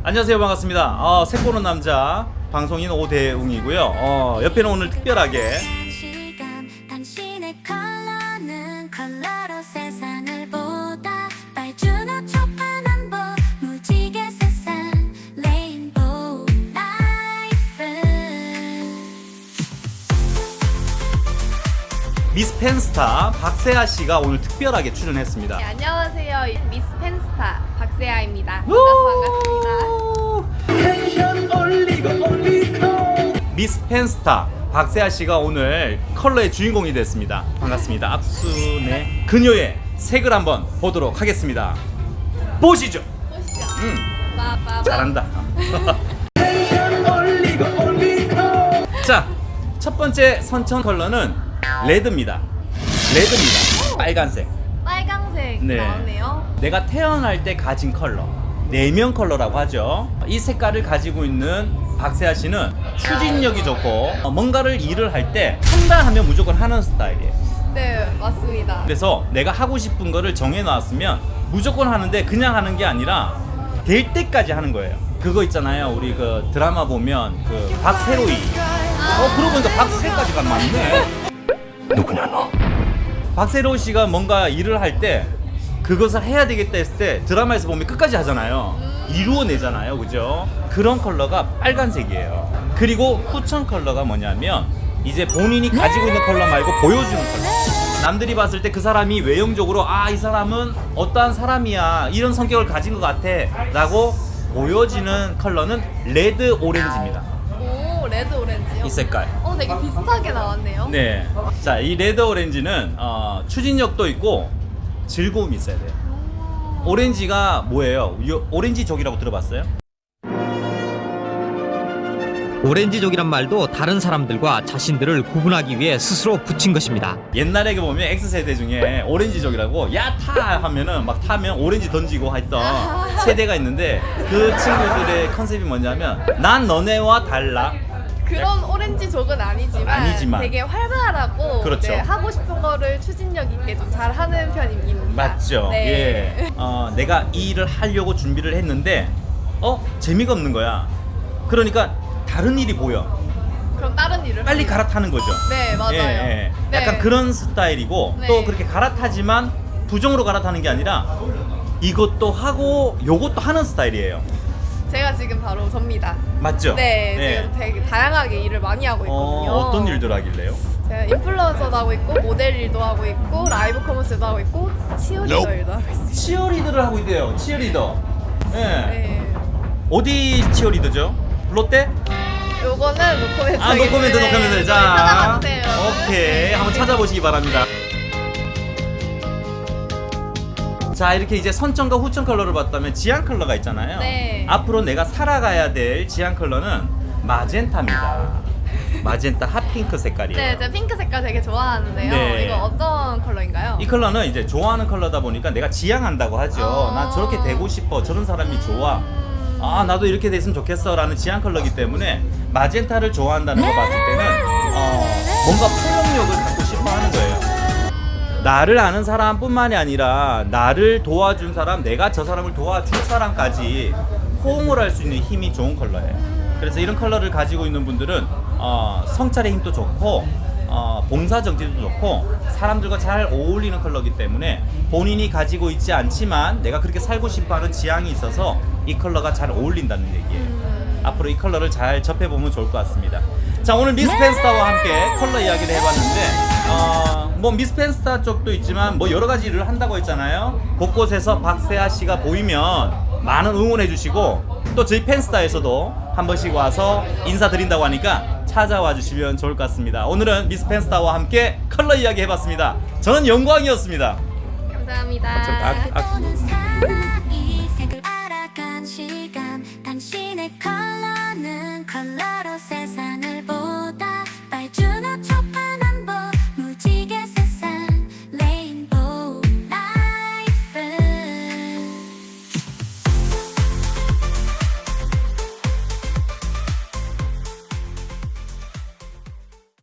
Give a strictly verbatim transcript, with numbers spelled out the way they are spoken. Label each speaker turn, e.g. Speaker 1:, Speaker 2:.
Speaker 1: 안녕하세요, 반갑습니다. 어, 색보는 남자 방송인 오대웅이고요. 어, 옆에는 오늘 특별하게
Speaker 2: 시간, 당신의 컬러는 컬러로 세상을 보다 빨주노 초파남보 무지개 세상 레인보우 라이프.
Speaker 1: 미스 펜스타 박세아 씨가 오늘 특별하게 출연했습니다.
Speaker 3: 네, 안녕하세요. 미스 펜스타 박세아입니다. 만나서 반갑습니다.
Speaker 1: 미스 펜스타 박세아 씨가 오늘 컬러의 주인공이 됐습니다. 반갑습니다. 악순의 그녀의 색을 한번 보도록 하겠습니다. 보시죠.
Speaker 3: 보시죠.
Speaker 1: 음,
Speaker 3: 빠빠빠.
Speaker 1: 잘한다. 자, 첫 번째 선천 컬러는 레드입니다. 레드입니다. 빨간색.
Speaker 3: 빨강색
Speaker 1: 네.
Speaker 3: 나오네요.
Speaker 1: 내가 태어날 때 가진 컬러, 내면 컬러라고 하죠. 이 색깔을 가지고 있는 박세아 씨는 추진력이 좋고 뭔가를 일을 할 때 한다 하면 무조건 하는 스타일이에요.
Speaker 3: 네, 맞습니다.
Speaker 1: 그래서 내가 하고 싶은 거를 정해놨으면 무조건 하는데 그냥 하는 게 아니라 될 때까지 하는 거예요. 그거 있잖아요. 우리 그 드라마 보면 그 박세로이. 어, 그러고 보니까 박세까지가 맞네. 누구냐 너? 박세로이 씨가 뭔가 일을 할 때 그것을 해야 되겠다 했을 때 드라마에서 보면 끝까지 하잖아요. 이루어내잖아요. 그죠? 그런 컬러가 빨간색이에요. 그리고 후천 컬러가 뭐냐면 이제 본인이 가지고 있는 컬러 말고 보여주는 컬러. 남들이 봤을 때 그 사람이 외형적으로 아, 이 사람은 어떠한 사람이야, 이런 성격을 가진 것 같아 라고 보여지는 컬러는 레드 오렌지입니다.
Speaker 3: 오, 레드 오렌지요?
Speaker 1: 이 색깔.
Speaker 3: 어, 되게 비슷하게 나왔네요.
Speaker 1: 네. 자, 이 레드 오렌지는 어, 추진력도 있고 즐거움이 있어야 돼요. 오렌지가 뭐예요? 요- 오렌지족이라고 들어봤어요?
Speaker 4: 오렌지족이란 말도 다른 사람들과 자신들을 구분하기 위해 스스로 붙인 것입니다.
Speaker 1: 옛날에 보면 X세대 중에 오렌지족이라고 야 타 하면은 막 타면 오렌지 던지고 했던 세대가 있는데 그 친구들의 컨셉이 뭐냐면 난 너네와 달라.
Speaker 3: 그런 오렌지족은 아니지만,
Speaker 1: 아니지만.
Speaker 3: 되게 활발하고
Speaker 1: 그렇죠.
Speaker 3: 네, 하고 싶은 거를 추진력 있게 좀 잘하는 편입니다.
Speaker 1: 맞죠?
Speaker 3: 네.
Speaker 1: 예. 어, 내가 이 일을 하려고 준비를 했는데 어? 재미가 없는 거야. 그러니까 다른 일이 보여.
Speaker 3: 그럼 다른 일을
Speaker 1: 빨리
Speaker 3: 합니다.
Speaker 1: 갈아타는 거죠.
Speaker 3: 네, 맞아요.
Speaker 1: 예, 예.
Speaker 3: 네.
Speaker 1: 약간 그런 스타일이고
Speaker 3: 네.
Speaker 1: 또 그렇게 갈아타지만 부정으로 갈아타는 게 아니라 이것도 하고 요것도 하는 스타일이에요.
Speaker 3: 제가 지금 바로 접니다.
Speaker 1: 맞죠?
Speaker 3: 네, 지금 되게 다양하게 일을 많이 하고 있거든요.
Speaker 1: 어, 어떤 일들 하길래요?
Speaker 3: 제가 인플루언서도 하고 있고, 모델 일도 하고 있고, 라이브 커머스도 하고 있고, 치어리더 일도 하고 있어요.
Speaker 1: 치어리더를 하고 있대요. 치어리더. 예.
Speaker 3: 네.
Speaker 1: 어디 치어리더죠? 롯데?
Speaker 3: 요거는 노코멘트.
Speaker 1: 아, 노코멘트, 노코멘트. 자,
Speaker 3: 찾아봐 주세요.
Speaker 1: 오케이. 한번 찾아보시기 바랍니다. 자, 이렇게 이제 선천과 후천 컬러를 봤다면 지안 컬러가 있잖아요.
Speaker 3: 네.
Speaker 1: 앞으로 내가 살아가야 될 지안 컬러는 마젠타입니다. 마젠타 핫핑크 색깔이에요.
Speaker 3: 네, 제가 핑크 색깔 되게 좋아하는데요.
Speaker 1: 네.
Speaker 3: 이거 어떤 컬러인가요?
Speaker 1: 이 컬러는 이제 좋아하는 컬러다 보니까 내가 지향한다고 하죠.
Speaker 3: 어.
Speaker 1: 난 저렇게 되고 싶어. 저런 사람이 좋아. 아, 나도 이렇게 됐으면 좋겠어 라는 지향 컬러이기 때문에 마젠타를 좋아한다는 거 봤을 때는 어, 뭔가 포용력을 갖고 싶어 하는 거예요. 나를 아는 사람뿐만이 아니라 나를 도와준 사람, 내가 저 사람을 도와줄 사람까지 호응을 할 수 있는 힘이 좋은 컬러예요. 그래서 이런 컬러를 가지고 있는 분들은 어, 성찰의 힘도 좋고 어, 봉사정신도 좋고 사람들과 잘 어울리는 컬러이기 때문에 본인이 가지고 있지 않지만 내가 그렇게 살고 싶어하는 지향이 있어서 이 컬러가 잘 어울린다는 얘기예요. 앞으로 이 컬러를 잘 접해보면 좋을 것 같습니다. 자, 오늘 미스 펜스타와 함께 컬러 이야기를 해봤는데 어, 뭐 미스 펜스타 쪽도 있지만 뭐 여러 가지 일을 한다고 했잖아요. 곳곳에서 박세아 씨가 보이면 많은 응원해 주시고 또 저희 펜스타에서도 한 번씩 와서 인사드린다고 하니까 찾아와 주시면 좋을 것 같습니다. 오늘은 미스 펜스타와 함께 컬러 이야기 해봤습니다. 저는 영광이었습니다.
Speaker 3: 감사합니다.
Speaker 1: 아, 아,
Speaker 2: 보는 사나이